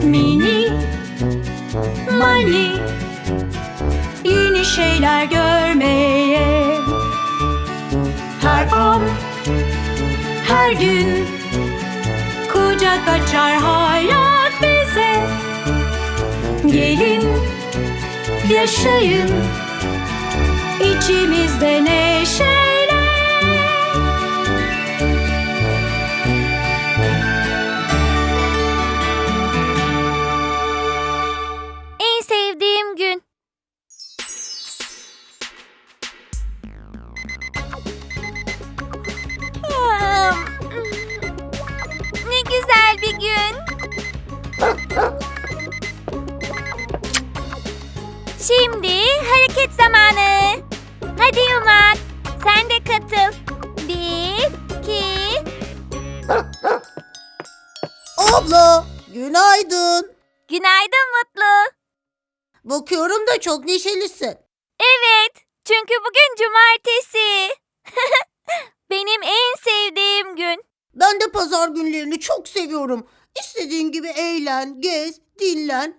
Mini Mani, yeni şeyler görmeye. Her an, her gün kucak açar hayat bize. Gelin, yaşayın içimizde neşeyle. En sevdiğim gün. Ne güzel bir gün. Şimdi hareket zamanı. Hadi Yumak, sen de katıl. 1, 2. Abla, günaydın. Günaydın Mutlu. Bakıyorum da çok neşelisin. Evet, çünkü bugün cumartesi. Benim en sevdiğim gün. Ben de pazar günlerini çok seviyorum. İstediğin gibi eğlen, gez, dinlen.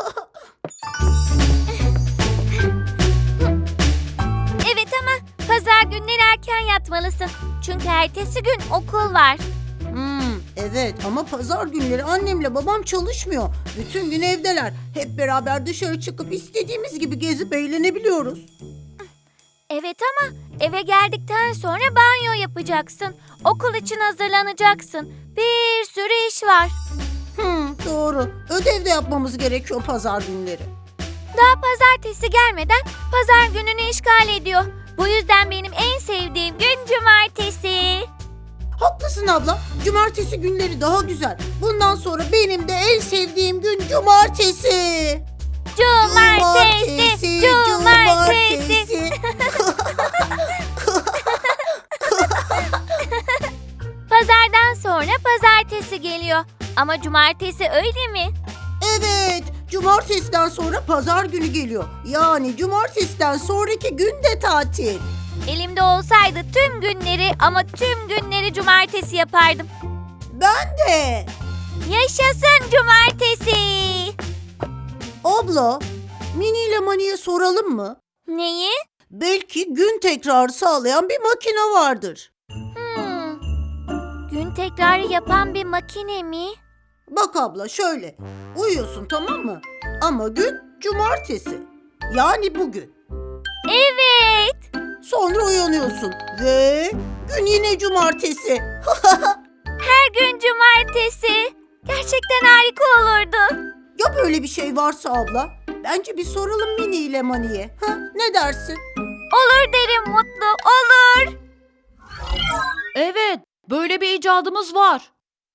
Evet ama pazar günleri erken yatmalısın. Çünkü ertesi gün okul var. Evet ama pazar günleri annemle babam çalışmıyor. Bütün gün evdeler. Hep beraber dışarı çıkıp istediğimiz gibi gezip eğlenebiliyoruz. Evet ama eve geldikten sonra banyo yapacaksın. Okul için hazırlanacaksın. Bir sürü iş var. Doğru. Ödev de yapmamız gerekiyor pazar günleri. Daha pazartesi gelmeden pazar gününü işgal ediyor. Bu yüzden benim en sevdiğim gün cumartesi. Haklısın abla. Cumartesi günleri daha güzel. Bundan sonra benim de en sevdiğim gün cumartesi. Cumartesi, cumartesi. Pazardan sonra pazartesi geliyor. Ama cumartesi öyle mi? Evet, cumartesiden sonra pazar günü geliyor. Yani cumartesiden sonraki gün de tatil. Elimde olsaydı tüm günleri ama tüm günleri cumartesi yapardım. Ben de. Yaşasın cumartesi. Abla, Mini ile Mani'ye soralım mı? Neyi? Belki gün tekrarı sağlayan bir makine vardır. Gün tekrarı yapan bir makine mi? Bak abla şöyle, uyuyorsun tamam mı? Ama gün cumartesi. Yani bugün. Evet. Sonra uyanıyorsun ve gün yine cumartesi. Her gün cumartesi. Gerçekten harika olurdu. Ya böyle bir şey varsa abla? Bence bir soralım Mini ile Mani'ye. Ne dersin? Olur derim Mutlu, olur. Evet, böyle bir icadımız var.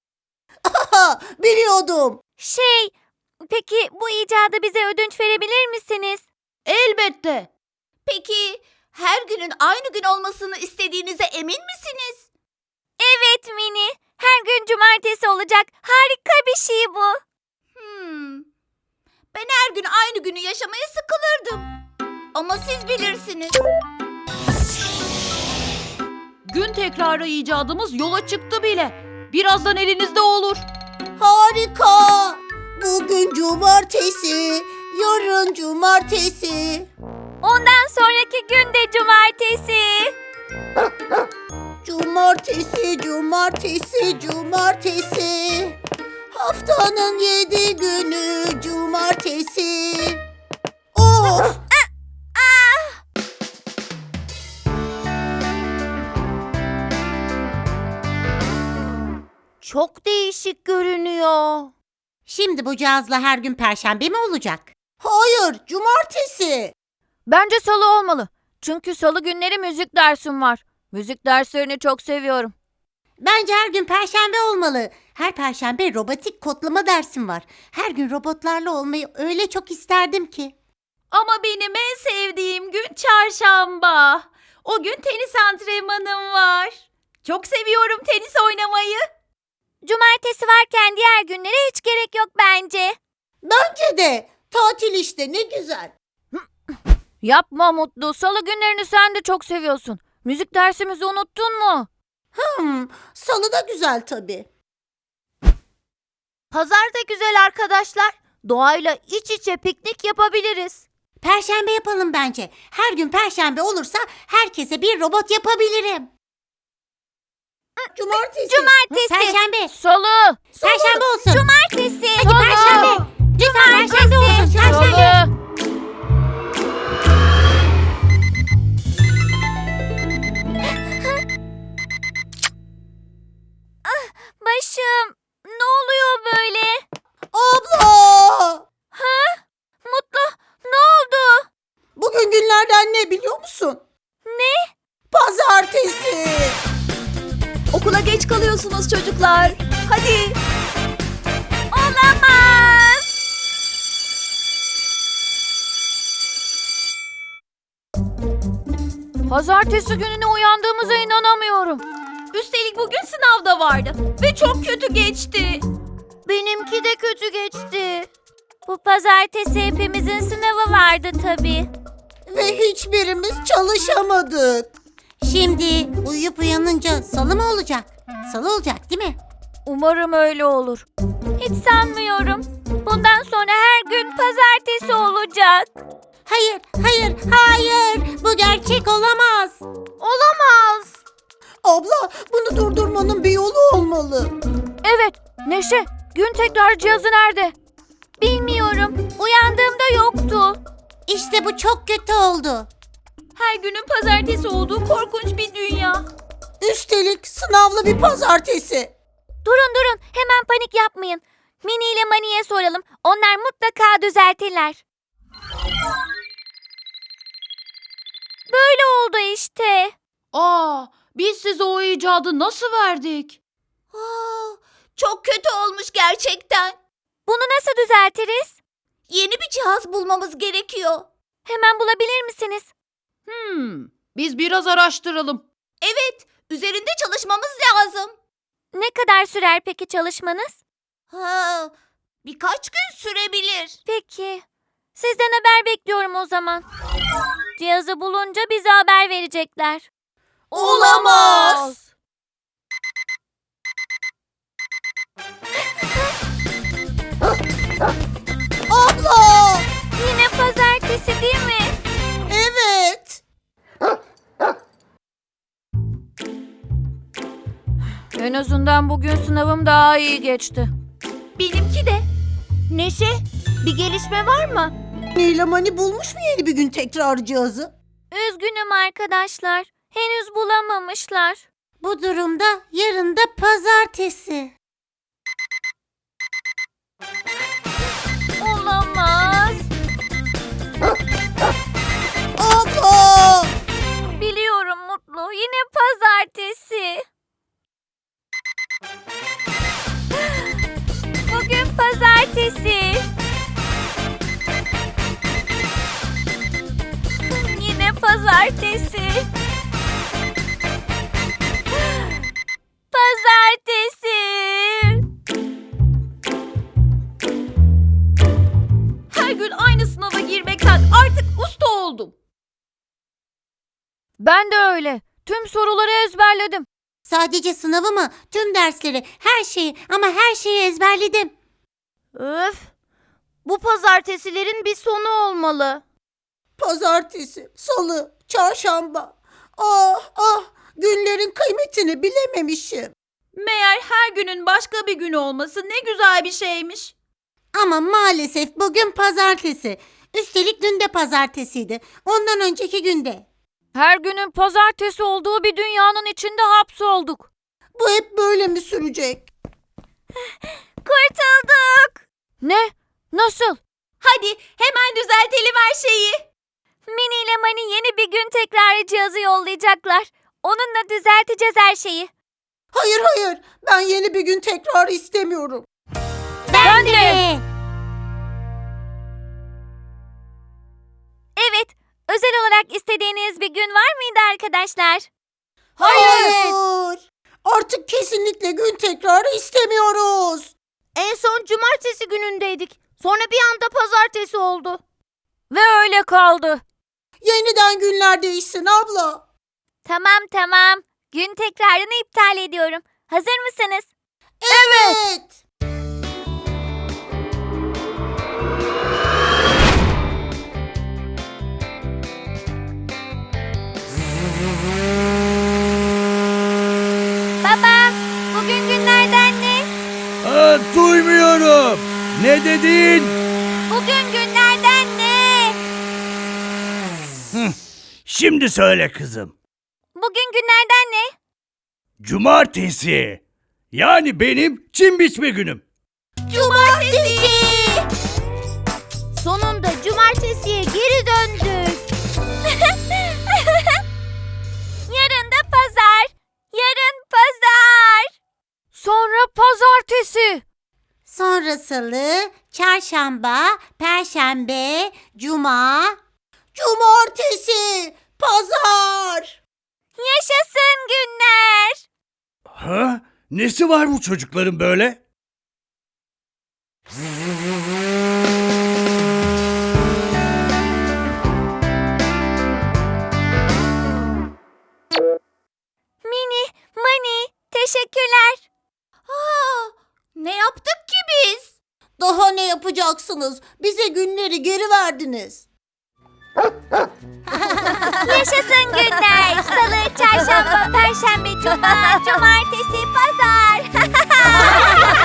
Biliyordum. Peki bu icada bize ödünç verebilir misiniz? Elbette. Peki her günün aynı gün olmasını istediğinize emin misiniz? Evet Mini, her gün cumartesi olacak. Harika bir şey bu. Ben her gün aynı günü yaşamaya sıkılırdım. Ama siz bilirsiniz. Gün tekrarı icadımız yola çıktı bile. Birazdan elinizde olur. Harika. Bugün cumartesi, yarın cumartesi. Ondan sonraki gün de cumartesi. Cumartesi, cumartesi, cumartesi. Haftanın 7 günü cumartesi. Of! Çok değişik görünüyor. Şimdi bu cihazla her gün perşembe mi olacak? Hayır, cumartesi. Bence salı olmalı. Çünkü salı günleri müzik dersim var. Müzik derslerini çok seviyorum. Bence her gün perşembe olmalı. Her perşembe robotik kodlama dersim var. Her gün robotlarla olmayı öyle çok isterdim ki. Ama benim en sevdiğim gün çarşamba. O gün tenis antrenmanım var. Çok seviyorum tenis oynamayı. Cumartesi varken diğer günlere hiç gerek yok bence. Bence de. Tatil işte ne güzel. Yapma Mutlu. Salı günlerini sen de çok seviyorsun. Müzik dersimizi unuttun mu? Salı da güzel tabii. Pazar da güzel arkadaşlar. Doğayla iç içe piknik yapabiliriz. Perşembe yapalım bence. Her gün perşembe olursa herkese bir robot yapabilirim. Cumartesi. Perşembe. Salı. Perşembe olsun. Cumartesi. Hadi perşembe. Lütfen perşembe olsun. Perşembe. Salı. Başım. Ne oluyor böyle? Abla! Mutlu. Ne oldu? Bugün günlerden ne biliyor musun? Ne? Pazartesi. Okula geç kalıyorsunuz çocuklar. Hadi. Olamaz. Pazartesi gününe uyandığımıza inanamıyorum. Üstelik bugün sınav da vardı ve çok kötü geçti. Benimki de kötü geçti. Bu pazartesi hepimizin sınavı vardı tabii. Ve hiçbirimiz çalışamadık. Şimdi uyuyup uyanınca salı mı olacak? Salı olacak değil mi? Umarım öyle olur. Hiç sanmıyorum. Bundan sonra her gün pazartesi olacak. Hayır, hayır, hayır. Bu gerçek olamaz. Olamaz. Abla, bunu durdurmanın bir yolu olmalı. Evet, Neşe, gün tekrar cihazı nerede? Bilmiyorum. Uyandığımda yoktu. İşte bu çok kötü oldu. Her günün pazartesi olduğu korkunç bir dünya. Üstelik sınavlı bir pazartesi. Durun, hemen panik yapmayın. Mini ile Mani'ye soralım. Onlar mutlaka düzeltirler. Böyle oldu işte. Biz size o icadı nasıl verdik? Çok kötü olmuş gerçekten. Bunu nasıl düzeltiriz? Yeni bir cihaz bulmamız gerekiyor. Hemen bulabilir misiniz? Biz biraz araştıralım. Evet, üzerinde çalışmamız lazım. Ne kadar sürer peki çalışmanız? Birkaç gün sürebilir. Peki. Sizden haber bekliyorum o zaman. Cihazı bulunca bize haber verecekler. Olamaz. Abla! Yine pazartesi değil mi? Evet. En azından bugün sınavım daha iyi geçti. Benimki de. Neşe, bir gelişme var mı? Nila Mani bulmuş mu yeni bir gün tekrar cihazı? Üzgünüm arkadaşlar. Henüz bulamamışlar. Bu durumda yarın da pazartesi. Olamaz. Abla! Biliyorum Mutlu. Yine pazartesi. Bugün pazartesi. Yine pazartesi. Pazartesi. Her gün aynı sınava girmekten artık usta oldum. Ben de öyle. Tüm soruları ezberledim. Sadece sınavı mı? Tüm dersleri, her şeyi ama her şeyi ezberledim. Öf. Bu pazartesilerin bir sonu olmalı. Pazartesi, salı, çarşamba. Ah, günlerin kıymetini bilememişim. Meğer her günün başka bir günü olması ne güzel bir şeymiş. Ama maalesef bugün pazartesi. Üstelik dün de pazartesiydi. Ondan önceki günde. Her günün pazartesi olduğu bir dünyanın içinde hapsolduk. Bu hep böyle mi sürecek? Kurtulduk. Ne? Nasıl? Hadi hemen düzeltelim her şeyi. Mini ile Mani yeni bir gün tekrarı cihazı yollayacaklar. Onunla düzelteceğiz her şeyi. Hayır, ben yeni bir gün tekrar istemiyorum. Ben de. Evet, özel olarak istediğiniz bir gün var mıydı arkadaşlar? Hayır. Artık kesinlikle gün tekrarı istemiyoruz. En son cumartesi günündeydik. Sonra bir anda pazartesi oldu. Ve öyle kaldı. Yeniden günler değişsin abla. Tamam. Gün tekrarını iptal ediyorum. Hazır mısınız? Evet. Duyamıyorum. Ne dedin? Bugün günlerden ne? Şimdi söyle kızım. Bugün günlerden ne? Cumartesi. Yani benim çim biçme günüm. Cumartesi. Sonunda cumartesiye geri döndük. Yarın da pazar. Yarın pazar. Sonra pazartesi. Sonra salı, çarşamba, perşembe, cuma, cumartesi, pazar. Yaşasın günler. Ha? Nesi var bu çocukların böyle? Mini, Mani, teşekkürler. Ne yaptık ki biz? Daha ne yapacaksınız? Bize günleri geri verdiniz. Yaşasın günler. Salı, çarşamba, perşembe, cuma, cumartesi, pazar.